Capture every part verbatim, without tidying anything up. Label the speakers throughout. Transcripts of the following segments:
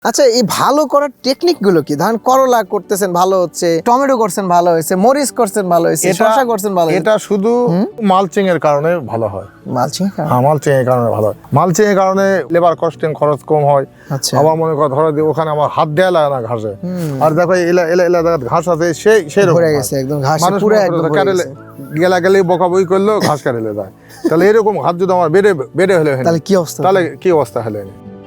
Speaker 1: আচ্ছা, এই ভালো করার টেকনিক গুলো কি? ধরেন করলা করতেছেন ভালো হচ্ছে, টমেটো করছেন ভালো হয়েছে, মরিচ করছেন ভালো হয়েছে, শসা করছেন ভালো হয়েছে।
Speaker 2: এটা শুধু মালচিং এর কারণে ভালো হয়।
Speaker 1: মালচিং
Speaker 2: হ্যাঁ, মালচিং এর কারণে ভালো হয়। মালচিং এর কারণে লেবার কস্টিং খরচ কম হয়।
Speaker 1: আচ্ছা,
Speaker 2: আবার মনে করো ধরো যে ওখানে আমার হাত দেয়া লাগে না ঘাসে। আর দেখো এলা এলা এলা জায়গায় ঘাস আছে সেই সেই রকম
Speaker 1: ভরে গেছে একদম ঘাস
Speaker 2: মানুষ
Speaker 1: পুরো
Speaker 2: মনে
Speaker 1: একদম
Speaker 2: করে
Speaker 1: ভরে
Speaker 2: কাটেলে
Speaker 1: গেছে।
Speaker 2: গেলা গেলে বকাবই করলো ঘাস কাটেলে যায়। তাহলে এরকম ঘাস যদি আমার বেড়ে বেড়ে হলে হয়,
Speaker 1: তাহলে কি অবস্থা?
Speaker 2: তাহলে কি অবস্থা হলে?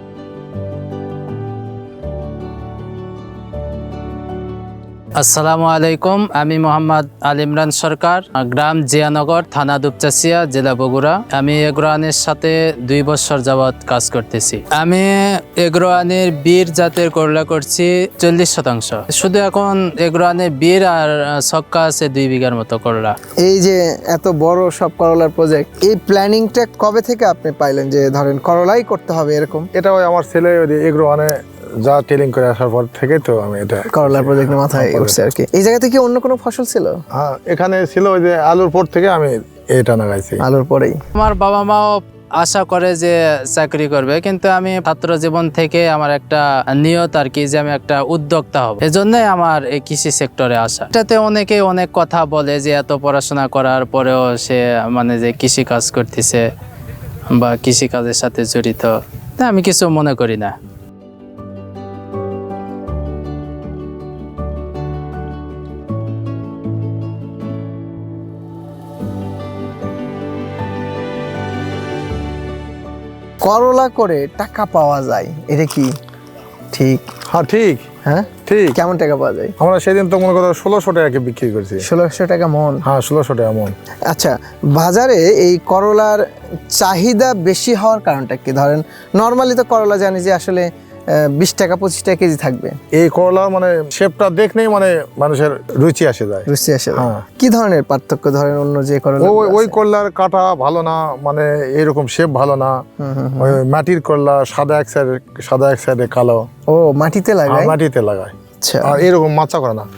Speaker 3: আসসালামু আলাইকুম, আমি মোহাম্মদ আল ইমরান সরকার, গ্রাম জিয়ানগর, থানা দুপচাচিয়া, জেলা বগুড়া। আমি এগ্রোয়ানের সাথে দুই বছর যাবৎ কাজ করতেছি। আমি এগ্রোয়ানের বীর জাতের করলা করছি চল্লিশ শতাংশ। শুধু এখন এগ্রোয়ানের বীর আর ছক্কা আছে দুই বিঘার মতো করলা।
Speaker 1: এই যে এত বড় সব করলার প্রজেক্ট, এই প্ল্যানিংটা কবে থেকে আপনি পাইলেন যে ধরেন করলাই করতে হবে এরকম?
Speaker 2: এটা ওই আমার ছেলে এগ্রো মানে যা ট্রেনিং করে আসার পর থেকে তো আমি এটা
Speaker 1: করলার প্রজেক্টের মাথায় উঠছে আর কি। এই জায়গাতে কি অন্য কোনো ফসল ছিল?
Speaker 2: হ্যাঁ, এখানে ছিল ওই যে আলুর পর থেকে আমি এটা লাগাইছি।
Speaker 1: আলুর পরেই
Speaker 3: আমার বাবা মাও আশা করে যে চাকরি করবে, কিন্তু আমি ছাত্র জীবন থেকে আমার একটা নিয়ত আর কি যে আমি একটা উদ্যোক্তা হব। এজন্যই আমার এই কৃষি সেক্টরে আসা। এটাতে অনেকে অনেক কথা বলে যে এত পড়াশোনা করার পরেও সে মানে যে কৃষি কাজ করতেছে বা কৃষি কাজের সাথে জড়িত, তা আমি কিছু মনে করি না।
Speaker 1: করলা করে টাকা পাওয়া যায়, এটা কি ঠিক?
Speaker 2: হ্যাঁ ঠিক,
Speaker 1: হ্যাঁ
Speaker 2: ঠিক।
Speaker 1: কেমন টাকা পাওয়া যায়?
Speaker 2: আমরা সেদিন তো মনে করো ষোলোশো টাকা বিক্রি করছি।
Speaker 1: ষোলোশো টাকা মন?
Speaker 2: হ্যাঁ, ষোলোশো টাকা মন।
Speaker 1: আচ্ছা, বাজারে এই করলার চাহিদা বেশি হওয়ার কারণটা কি? ধরেন নর্মালি তো করলা জানি যে আসলে বিশ টাকা পঁচিশ টাকা কেজি থাকবে।
Speaker 2: এই করলা মানে শেপটা দেখলেই মানে মানুষের রুচি আসে যায়।
Speaker 1: রুচি আসে।
Speaker 2: হ্যাঁ।
Speaker 1: কি ধরনের পার্থক্য ধরেন অন্য যে করলা?
Speaker 2: ওই ওই করলার কাটা ভালো না, মানে এরকম শেপ ভালো না। ওই মাটির করলা সাদা এক সাইডে সাদা এক সাইডে কালো।
Speaker 1: ও মাটিতে লাগায়?
Speaker 2: মাটিতে লাগায়।
Speaker 1: আচ্ছা,
Speaker 2: আর এরকম মাচা করে না।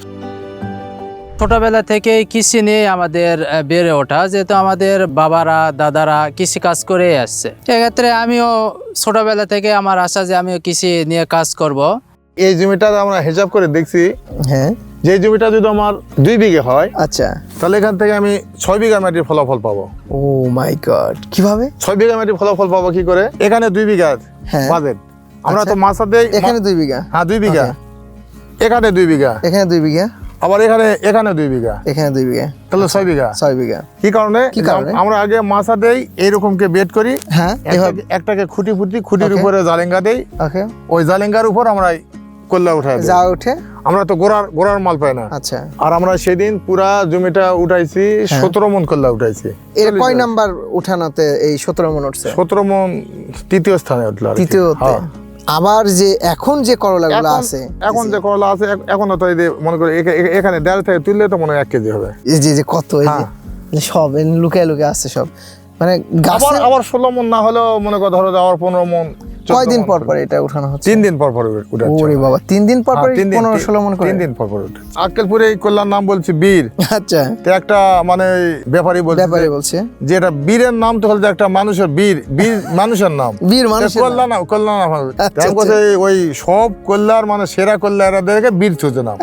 Speaker 3: ছোটবেলা থেকে কৃষি নিয়ে আমাদের বেড়ে ওঠা, যেহেতু আমাদের বাবারা দাদারা কৃষি কাজ করে আসছে, এক্ষেত্রে আমিও ছোটবেলা থেকে আমার আশা যে আমিও কৃষি নিয়ে কাজ করব।
Speaker 2: এই জমিটা আমরা হিসাব করে দেখছি,
Speaker 1: হ্যাঁ,
Speaker 2: যে জমিটা যদি আমার দুই বিঘে হয়,
Speaker 1: আচ্ছা,
Speaker 2: তাহলে এখান থেকে আমি ছয় বিঘা মাটির ফলাফল পাবো।
Speaker 1: ও মাই গড, কিভাবে
Speaker 2: ছয় বিঘা মাটির ফলাফল পাবো কি করে? এখানে দুই বিঘা
Speaker 1: হ্যাঁ।
Speaker 2: বাজেট, আমরা
Speaker 1: আচ্ছা।
Speaker 2: তো মাছা দেই।
Speaker 1: এখানে দুই বিঘা?
Speaker 2: হ্যাঁ, দুই বিঘা।
Speaker 1: Okay.
Speaker 2: এখানে দুই বিঘা,
Speaker 1: এখানে দুই বিঘা,
Speaker 2: আবার এখানে এখানে দুই বিঘা,
Speaker 1: এখানে দুই বিঘা,
Speaker 2: তাহলে ছয় বিঘা।
Speaker 1: ছয় বিঘা।
Speaker 2: কি কারণে?
Speaker 1: কি কারণে?
Speaker 2: আমরা আগে মাছা দেই এইরকম কে বেড করি।
Speaker 1: হ্যাঁ, এভাবে।
Speaker 2: একটাকে- একটাকে খুঁটি ফুটি খুঁটির
Speaker 1: Okay.
Speaker 2: উপরে জালেঙ্গা দেই।
Speaker 1: ওকে,
Speaker 2: ওই জালেঙ্গার উপর আমরা কল্লা উঠাই দিই।
Speaker 1: যা উঠে।
Speaker 2: আমরা তো গোড়ার গোড়ার মাল পাই না।
Speaker 1: আচ্ছা,
Speaker 2: আর আমরা সেদিন পুরা জমিটা উঠাইছি, সতেরো মন কল্লা উঠাইছি।
Speaker 1: এর কয় নাম্বার উঠানোতে এই সতেরো মন উঠছে?
Speaker 2: সতেরো মন তৃতীয় স্থানে উঠলো আর কি।
Speaker 1: তৃতীয়তে।
Speaker 2: হ্যাঁ।
Speaker 1: আবার যে এখন যে করলাগুলো
Speaker 2: এখন-
Speaker 1: আছে,
Speaker 2: এখন যে করলা আছে এখ- এখনো তো এই যে মনে করি এখা- এখা- এখানে দেড় থেকে তুললে তো মনে হয় এক কেজি হবে।
Speaker 1: এই যে যে কত এই যে
Speaker 2: হ্যাঁ।
Speaker 1: সব লুকায় লুকায় আছে সব, মানে
Speaker 2: আবার
Speaker 1: গাছে
Speaker 2: আবার ষোলো মন না হলেও মনে করো ধরো যে আবার পনেরো মন চোদ্দ
Speaker 1: কয়দিন
Speaker 2: মন
Speaker 1: পর
Speaker 2: করে।
Speaker 1: পর এটা উঠানো হচ্ছে?
Speaker 2: তিন দিন পর পর উঠাচ্ছে।
Speaker 1: ওরে বাবা, তিন দিন পর পর
Speaker 2: হ্যাঁ, তিন দিন-
Speaker 1: পনেরো ষোলো মন করে?
Speaker 2: তিন দিন পর পর উঠে। আক্কেলপুরে এই কল্যাণ নাম বলছি বীর।
Speaker 1: আচ্ছা,
Speaker 2: তো একটা মানে ব্যাপারী বলছে
Speaker 1: ব্যাপারে বলছে
Speaker 2: যে এটা বীরের নাম তো হল যে একটা মানুষের বীর বীর মানুষের নাম।
Speaker 1: বীর মানুষের নাম।
Speaker 2: কল্যাণ নাম কল্যাণ নাম হবে।
Speaker 1: আচ্ছা,
Speaker 2: তেমন
Speaker 1: আচ্ছা।
Speaker 2: করে ওই সব কল্যাণ মানে সেরা কল্যাণ এরা দেখে বীর চোদ্দ নাম।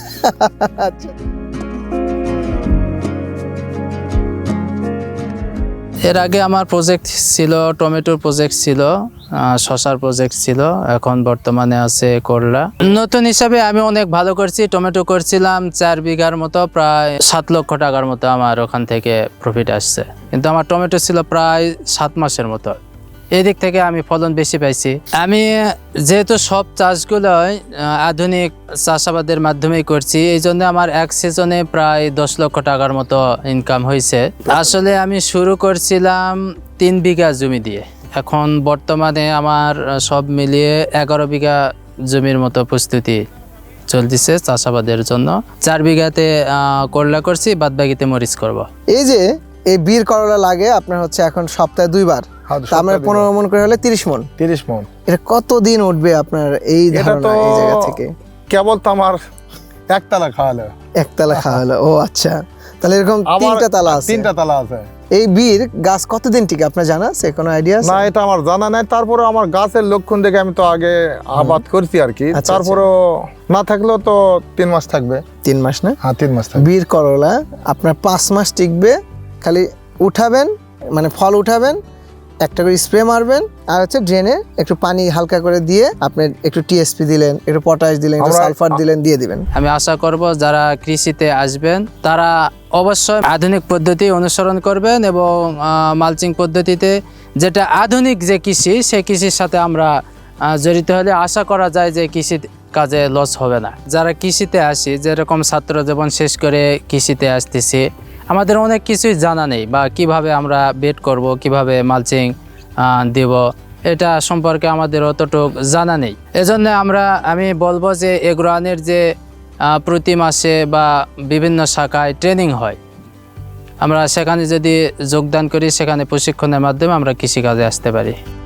Speaker 1: আচ্ছা,
Speaker 3: এর আগে আমার প্রজেক্ট ছিল, টমেটোর প্রজেক্ট ছিল, আহ, শসার প্রজেক্ট ছিল, এখন বর্তমানে আছে করলা। নতুন হিসাবে আমি অনেক ভালো করছি। টমেটো করছিলাম চার বিঘার মতো, প্রায় সাত লক্ষ টাকার মতো আমার ওখান থেকে প্রফিট আসছে, কিন্তু আমার টমেটো ছিল প্রায় সাত মাসের মতো। এই দিক থেকে আমি ফলন বেশি পাইছি। আমি যেহেতু সব চাষগুলোই আহ, আধুনিক চাষাবাদের মাধ্যমেই করছি, এই জন্য আমার এক সিজনে প্রায় দশ লক্ষ টাকার মতো ইনকাম হয়েছে। আসলে আমি শুরু করছিলাম তিন বিঘা জমি দিয়ে, এখন বর্তমানে আমার আহ, সব মিলিয়ে এগারো বিঘা জমির মতো প্রস্তুতি চলতেছে চাষাবাদের জন্য। চার বিঘাতে আহ, করলা করছি, বাদ বাকিতে মরিচ করব।
Speaker 1: এই যে এই বীর করলা লাগে আপনার হচ্ছে এখন সপ্তাহে দুইবার,
Speaker 2: হ্যাঁ,
Speaker 1: তার মানে
Speaker 2: সপ্তাহে
Speaker 1: পনেরো মন করে হলে তিরিশ মন।
Speaker 2: তিরিশ মন।
Speaker 1: এটা কতদিন উঠবে আপনার এই
Speaker 2: এটা
Speaker 1: ধারণা
Speaker 2: তো
Speaker 1: এই জায়গা থেকে?
Speaker 2: কেবল তো আমার একতলা খাওয়ালে।
Speaker 1: একতলা খাওয়া হলো? ও আচ্ছা, তাহলে এরকম
Speaker 2: আবার
Speaker 1: তিনটা তালা আছে?
Speaker 2: তিনটা তালা আছে।
Speaker 1: এই বীর গাছ কতদিন টিকে আপনার জানা আছে, কোনো আইডিয়া আছে?
Speaker 2: না এটা আমার জানা নাই, তারপরে আমার গাছের লক্ষণ দেখে আমি তো আগে আবাদ করছি আর কি,
Speaker 1: আচ্ছা,
Speaker 2: তারপরেও না থাকলেও তো তিন মাস থাকবে।
Speaker 1: তিন মাস না?
Speaker 2: হ্যাঁ তিন মাস থাকবে।
Speaker 1: বীর করলা আপনার পাঁচ মাস টিকবে, খালি উঠাবেন মানে ফল উঠাবেন, একটা করে স্প্রে মারবেন, আর হচ্ছে ড্রেনে একটু পানি হালকা করে দিয়ে আপনি একটু টিএসপি দিলেন, একটু পটাশ দিলেন, একটু
Speaker 2: আমরা-
Speaker 1: সালফার দিলেন, দিয়ে দিবেন।
Speaker 3: আমি আশা করব যারা কৃষিতে আসবেন তারা অবশ্যই আধুনিক পদ্ধতি অনুসরণ করবেন এবং মালচিং পদ্ধতিতে, যেটা আধুনিক যে কৃষি সেই কৃষির সাথে আমরা আহ, জড়িত হলে আশা করা যায় যে কৃষি কাজে লস হবে না। যারা কৃষিতে আসি, যেরকম ছাত্র জীবন শেষ করে কৃষিতে আসতেছি, আমাদের অনেক কিছুই জানা নেই, বা কিভাবে আমরা বেড করব, কিভাবে মালচিং দেব, এটা সম্পর্কে আমাদের অতটুক জানা নেই। এজন্য আমরা আমি বলবো যে এগ্রোয়ানের যে আহ, প্রতি মাসে বা বিভিন্ন শাখায় ট্রেনিং হয়, আমরা সেখানে যদি যোগদান করি, সেখানে প্রশিক্ষণের মাধ্যমে আমরা কৃষিকাজে আসতে পারি।